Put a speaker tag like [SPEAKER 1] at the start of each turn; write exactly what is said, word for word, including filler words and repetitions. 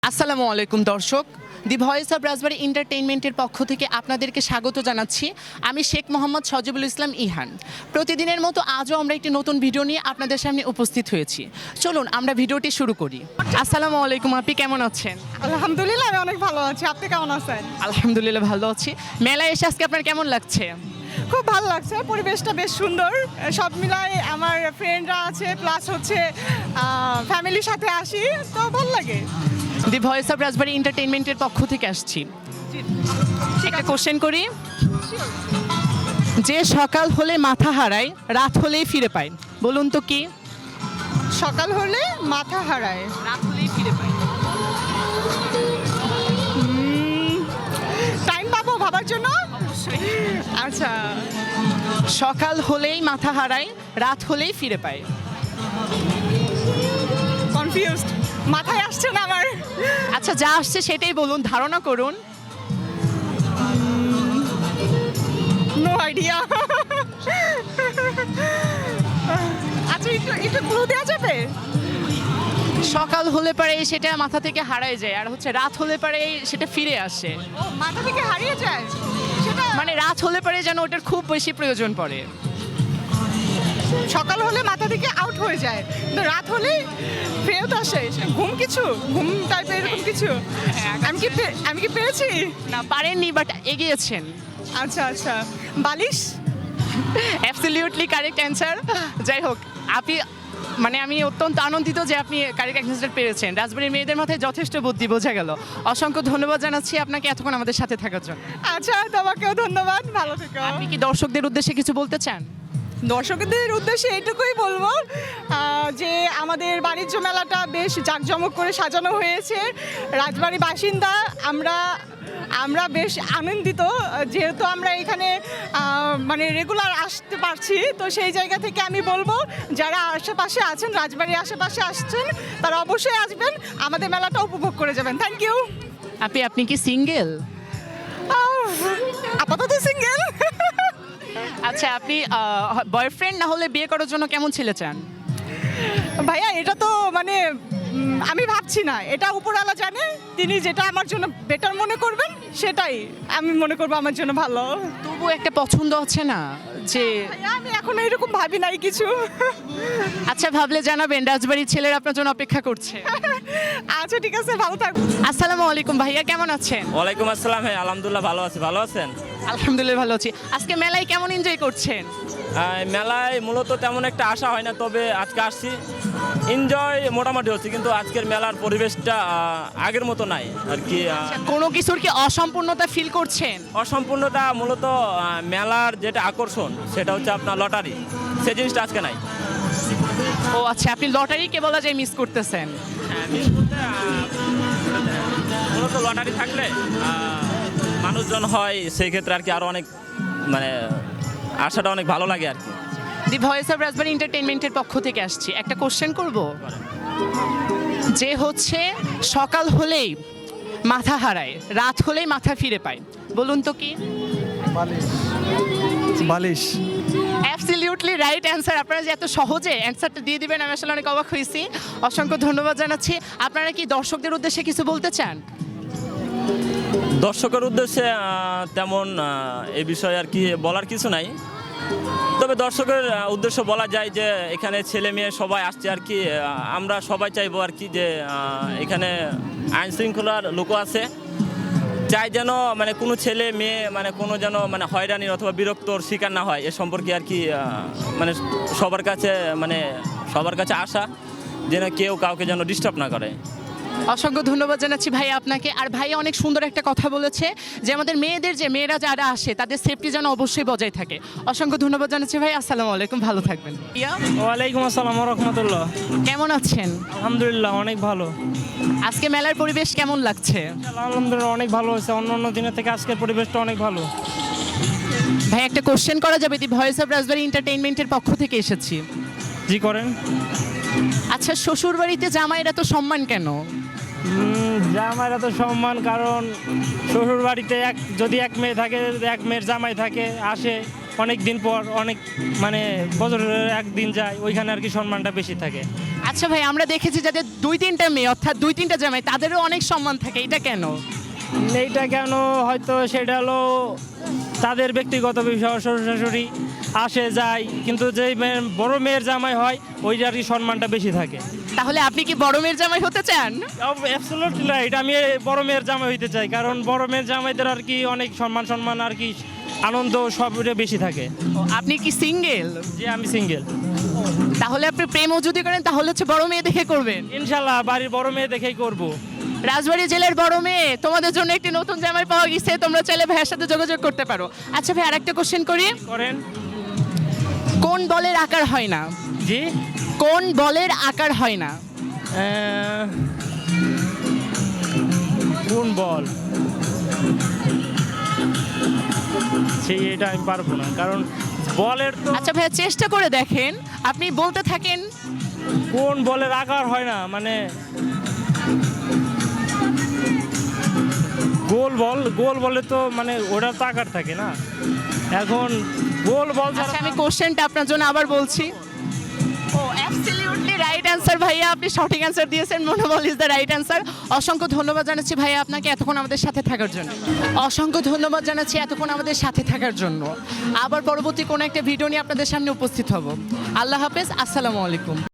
[SPEAKER 1] আসসালামু আলাইকুম দর্শক, দি ভয়েস অব রাজবাড়ী এন্টারটেইনমেন্টের পক্ষ থেকে আপনাদেরকে স্বাগত জানাচ্ছি। আমি শেখ মোহাম্মদ সজিবুল ইসলাম ইহান। প্রতিদিনের মতো আজও আমরা একটি নতুন ভিডিও নিয়ে আপনাদের সামনে উপস্থিত হয়েছি। চলুন আমরা ভিডিওটি শুরু করি। আসসালামু আলাইকুম, আপনি কেমন আছেন?
[SPEAKER 2] আলহামদুলিল্লাহ, আমি অনেক ভালো আছি। আপনি কেমন আছেন?
[SPEAKER 1] আলহামদুলিল্লাহ ভালো আছি। মেলায় এসে আজকে আপনার কেমন লাগছে?
[SPEAKER 2] খুব ভালো লাগছে, পরিবেশটা বেশ সুন্দর। সব মিলাই আমার ফ্রেন্ডরা আছে, প্লাস হচ্ছে ফ্যামিলির সাথে আসি, তো ভালো লাগে।
[SPEAKER 1] দি ভয়েস অব রাজবাড়ী এন্টারটেইনমেন্টের পক্ষ থেকে আসছি। একটা কোশ্চেন করি, যে সকাল হলে মাথা হারায়, রাত হলেই ফিরে পায়, বলুন তো কি?
[SPEAKER 2] সকাল হলে মাথা হারায়,
[SPEAKER 1] রাত হলেই ফিরে পায়।
[SPEAKER 2] টাইম পাবো ভাবার জন্য? আচ্ছা,
[SPEAKER 1] সকাল হলেই মাথা হারায়, রাত হলেই ফিরে পায়।
[SPEAKER 2] কনফিউজড, মাথায় আসছে না আমার।
[SPEAKER 1] আচ্ছা, যা আসছে সেটাই বলুন, ধারণা করুন।
[SPEAKER 2] No idea. আচ্ছা, একটু একটু ক্লু দেওয়া যাবে?
[SPEAKER 1] সকাল হলে পরে সেটা মাথা থেকে হারায় যায়, আর হচ্ছে রাত হলে পরে সেটা ফিরে আসে।
[SPEAKER 2] ও, মাথা থেকে হারিয়ে যায় সেটা?
[SPEAKER 1] মানে রাত হলে পরে যেন ওটার খুব বেশি প্রয়োজন পড়ে।
[SPEAKER 2] সকাল হলে মাথা থেকে আউট হয়ে যায়, কিন্তু রাত হলে ফেরত আসে। ঘুম কিছু, ঘুম টাইপের এরকম কিছু। আমি কি পে- আমি কি পেরেছি?
[SPEAKER 1] না, পারেননি, বাট এগিয়েছেন।
[SPEAKER 2] আচ্ছা আচ্ছা, বালিশ।
[SPEAKER 1] Absolutely correct answer. যাই হোক, আপনি মানে আমি অত্যন্ত আনন্দিত যে আপনি কারেক্ট অ্যান্সার পেরেছেন। রাজবাড়ির মেয়েদের মাথায় যথেষ্ট বুদ্ধি, বোঝা গেল। অসংখ্য ধন্যবাদ জানাচ্ছি আপনাকে এতক্ষণ আমাদের সাথে থাকার জন্য।
[SPEAKER 2] আচ্ছা, তোমাকেও ধন্যবাদ, ভালো থেকো।
[SPEAKER 1] আপনি কি দর্শকদের উদ্দেশ্যে কিছু বলতে চান?
[SPEAKER 2] দর্শকদের উদ্দেশ্যে এইটুকুই বলবো আহ, যে আমাদের বাণিজ্য মেলাটা বেশ জাঁকজমক করে সাজানো হয়েছে। রাজবাড়ি বাসিন্দা আমরা আমরা বেশ আনন্দিত, যেহেতু আমরা এখানে আহ, মানে রেগুলার আসতে পারছি। তো সেই জায়গা থেকে আমি বলবো, যারা আশেপাশে আছেন, রাজবাড়ির আশেপাশে আসছেন, তারা অবশ্যই আসবেন, আমাদের মেলাটা উপভোগ করে যাবেন। Thank you.
[SPEAKER 1] আপনি আপনি কি সিঙ্গেল?
[SPEAKER 2] আপাতত সিঙ্গেল।
[SPEAKER 1] আচ্ছা, আপনি বয়ফ্রেন্ড না হলে বিয়ে করার জন্য কেমন ছেলে চান?
[SPEAKER 2] ভাইয়া, এটা তো মানে উম, আমি ভাবছি না, এটা উপরওয়ালা জানে। তিনি যেটা আমার জন্য বেটার মনে করবেন সেটাই আমি মনে করবো আমার জন্য ভালো।
[SPEAKER 1] তবু একটা পছন্দ আছে না যে?
[SPEAKER 2] ভাইয়া, আমি এখন এরকম ভাবি নাই কিছু।
[SPEAKER 1] আচ্ছা, ভাবলে জানাবেন, রাজবাড়ির ছেলেরা আপনার জন্য অপেক্ষা করছে।
[SPEAKER 2] আচ্ছা, ঠিক আছে, ভালো থাকবো।
[SPEAKER 1] আসসালামু আলাইকুম ভাইয়া, কেমন আছেন?
[SPEAKER 3] ওয়ালাইকুম আসসালাম। হ্যাঁ, আলহামদুলিল্লাহ ভালো আছি। ভালো আছেন?
[SPEAKER 1] আলহামদুলিল্লাহ ভালো আছি। আজকে মেলায় কেমন এনজয় করছেন?
[SPEAKER 3] আহ, মেলায় মূলত তেমন একটা আশা হয় না, তবে আজকে আসছি, এনজয় মোটামুটি হচ্ছে, কিন্তু আজকের মেলার পরিবেশটা আহ, আগের মতো নাই আর কি। আহ,
[SPEAKER 1] কোনো কিছুর কি অসম্পূর্ণতা ফিল করছেন?
[SPEAKER 3] অসম্পূর্ণতা মূলত আহ, মেলার যেটা আকর্ষণ সেটা হচ্ছে আপনার লটারি, সেই জিনিসটা আজকে নাই।
[SPEAKER 1] ও আচ্ছা, আপনি লটারিকে বলা যায় মিস করতেছেন।
[SPEAKER 3] হ্যাঁ, miss বলতে, আহ, মূলত লটারি থাকলে আহ, মানুষজন হয়, সেই ক্ষেত্রে আর কি আরও অনেক মানে আশাটা অনেক ভালো লাগে আর কি।
[SPEAKER 1] দি ভয়েস অফ রাজবাড়ি এন্টারটেইনমেন্টের পক্ষ থেকে আসছি। একটা কোশ্চেন করব, যে হচ্ছে সকাল হলেই মাথা হারায়, রাত হলেই মাথা ফিরে পায়, বলুন তো কি?
[SPEAKER 4] বালিশ। বালিশ।
[SPEAKER 1] Absolutely right answer. আপনারা যে এত সহজে অ্যান্সারটা দিয়ে দিবেন, আমি আসলে অনেক অবাক হয়েছি। অসংখ্য ধন্যবাদ জানাচ্ছি। আপনারা কি দর্শকদের উদ্দেশ্যে কিছু বলতে চান?
[SPEAKER 3] দর্শকের উদ্দেশ্যে আহ, তেমন আহ, এই বিষয়ে আর কি বলার কিছু নাই, তবে দর্শকের আহ, উদ্দেশ্য বলা যায় যে এখানে ছেলে মেয়ে সবাই আসছে আর কি। আহ, আমরা সবাই চাইবো আর কি যে আহ, এখানে আইন শৃঙ্খলার লোকও আছে, চাই যেন মানে কোনো ছেলে মেয়ে মানে কোনো যেন মানে হয়রানির অথবা বিরক্তর শিকার না হয়, এ সম্পর্কে আর কি আহ, মানে সবার কাছে মানে সবার কাছে আশা যেন কেউ কাউকে যেন ডিস্টার্ব না করে।
[SPEAKER 1] অসংখ্য ধন্যবাদ জানাচ্ছি ভাই আপনাকে। আর ভাই অনেক সুন্দর একটা কথা বলেছে যে আমাদের মেয়েদের, যে মেয়েরা যারা আসে তাদের সেফটি যেন অবশ্যই বজায় থাকে। অসংখ্য ধন্যবাদ জানাচ্ছি ভাই। আসসালামু আলাইকুম, ভালো থাকবেন। ইয়া,
[SPEAKER 5] ওয়ালাইকুম আসসালাম রহমতুল্লাহ।
[SPEAKER 1] কেমন আছেন?
[SPEAKER 5] আলহামদুলিল্লাহ অনেক ভালো।
[SPEAKER 1] আজকে মেলার পরিবেশ কেমন লাগছে?
[SPEAKER 5] আলহামদুলিল্লাহ অনেক ভালো হয়েছে, অন্য অন্য দিনের থেকে আজকের পরিবেশটা অনেক ভালো।
[SPEAKER 1] ভাই একটা কোশ্চেন করা যাবে? দি ভয়েস অফ রাজবাড়ি এন্টারটেইনমেন্টের পক্ষ থেকে এসেছি।
[SPEAKER 5] জি করেন।
[SPEAKER 1] আচ্ছা, শ্বশুর বাড়িতে জামাইরা তো সম্মান কেন?
[SPEAKER 5] উম, জামাইরা তো সম্মান, কারণ শ্বশুর বাড়িতে এক যদি এক মেয়ে থাকে, এক মেয়ের জামাই থাকে, আসে, অনেক দিন পর অনেক মানে বছরের একদিন যায়, ওইখানে আর কি সম্মানটা বেশি থাকে।
[SPEAKER 1] আচ্ছা ভাই, আমরা দেখেছি যাদের দুই তিনটা মেয়ে অর্থাৎ দুই তিনটা জামাই তাদেরও অনেক সম্মান থাকে, এটা কেন?
[SPEAKER 5] এইটা কেন হয়তো সেটা হলো তাদের ব্যক্তিগত বিষয়, শ্বশুর শাশুড়ি আসে যায়, কিন্তু যে মেয়ের বড় মেয়ের জামাই হয় ওইটার আর কি সম্মানটা বেশি থাকে।
[SPEAKER 1] তাহলে আপনি কি বড় মেয়ের জামাই হতে চান?
[SPEAKER 5] অ্যাবসলিউটলি রাইট, আমি বড় মেয়ের জামাই হইতে চাই, কারণ বড় মেয়ের জামাইদের আর কি অনেক সম্মান সম্মান আর কি আনন্দ সবটা বেশি থাকে।
[SPEAKER 1] ও, আপনি কি সিঙ্গেল?
[SPEAKER 5] যে আমি সিঙ্গেল।
[SPEAKER 1] তাহলে আপনি প্রেমও যদি করেন তাহলে হচ্ছে বড় মেয়ে দেখে করবেন।
[SPEAKER 5] ইনশাল্লাহ বাড়ির বড় মেয়ে দেখেই করব।
[SPEAKER 1] রাজবাড়ী জেলার বড় মেয়ে, তোমাদের জন্য একটি নতুন জামাই পাওয়া গেছে, তোমরা চাইলে ভাইয়ের সাথে যোগাযোগ করতে পারো। আচ্ছা ভাই, আরেকটা কোশ্চেন করি,
[SPEAKER 5] করেন।
[SPEAKER 1] কোন বলের আকার হয় না?
[SPEAKER 5] জি,
[SPEAKER 1] কোন বলের আকার হয় না?
[SPEAKER 5] আহ, কোন বল? সেই এটা আমি পারবো না, কারণ বলের তো
[SPEAKER 1] আচ্ছা ভাইয়া, চেষ্টা করে দেখেন, আপনি বলতে থাকেন।
[SPEAKER 5] কোন বলের আকার হয় না মানে গোল বল, গোল বলে তো মানে ওটা তো আকার থাকে না। এখন গোল বল
[SPEAKER 1] আচ্ছা,
[SPEAKER 5] ছাড়া
[SPEAKER 1] আমি কোশ্চেনটা আপনার জন্য আবার বলছি। ও অ্যাবসলিউটলি রাইট অ্যান্সার ভাইয়া, আপনি সঠিক অ্যান্সার দিয়েছেন। মনোবল ইজ দ্য রাইট অ্যান্সার। অসংখ্য ধন্যবাদ জানাচ্ছি ভাইয়া আপনাকে এতক্ষণ আমাদের সাথে থাকার জন্য। অসংখ্য ধন্যবাদ জানাচ্ছি এতক্ষণ আমাদের সাথে থাকার জন্য। আবার পরবর্তী কোনো একটা ভিডিও নিয়ে আপনাদের সামনে উপস্থিত হব। আল্লাহ হাফেজ, আসসালামু আলাইকুম।